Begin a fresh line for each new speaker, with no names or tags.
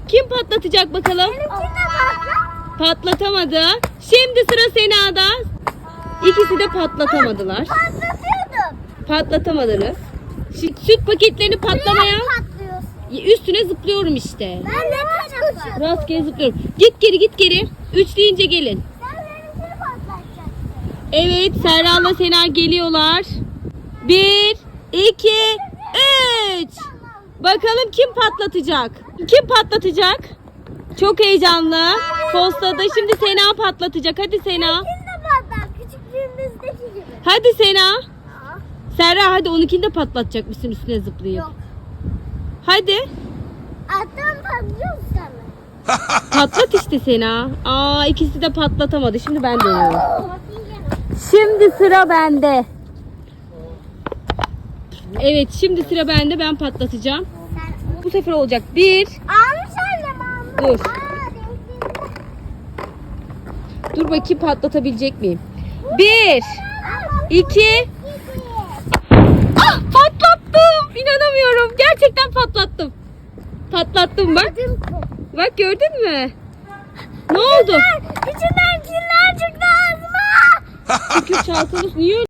Kim patlatacak bakalım? Patlatamadı. Şimdi sıra Sena'da. İkisi de patlatamadılar.
Patlatıyordum.
Patlatamadılar. Süt paketlerini patlamaya
Patlıyorsun.
üstüne zıplıyorum işte.
Ben de kaçıyorum.
Rastgele zıplıyorum. Git geri git geri. 3 deyince gelin.
Sen benimkini patlatacaksın.
Evet, Serra'la Sena geliyorlar. 1, 2, 3. Bakalım kim patlatacak? Kim patlatacak? Çok heyecanlı. Postadı. Şimdi Sena patlatacak. Hadi Sena.
Benimkini de patlat. Küçüklüğümüzdeki gibi.
Hadi Sena. Serra hadi onunkini de patlatacak mısın üstüne zıplayıp?
Yok.
Hadi.
Alttan patlıyor musun sen?
Patlat işte Sena. Aa, ikisi de patlatamadı. Şimdi ben deniyorum.
Bakayım gene.
Şimdi sıra bende. Evet, şimdi sıra bende. Ben patlatacağım.
Sen
Bu sefer olacak. 1.
almış annem almış.
Dur.
Benimkini.
Dur bakayım patlatabilecek miyim? 1, 2. Ah, patlattım. İnanamıyorum. Gerçekten patlattım. Patlattım bak. Bak gördün mü? Ne oldu?
İçinden kirler çıktı ağzıma.
Çünkü çalkalı niye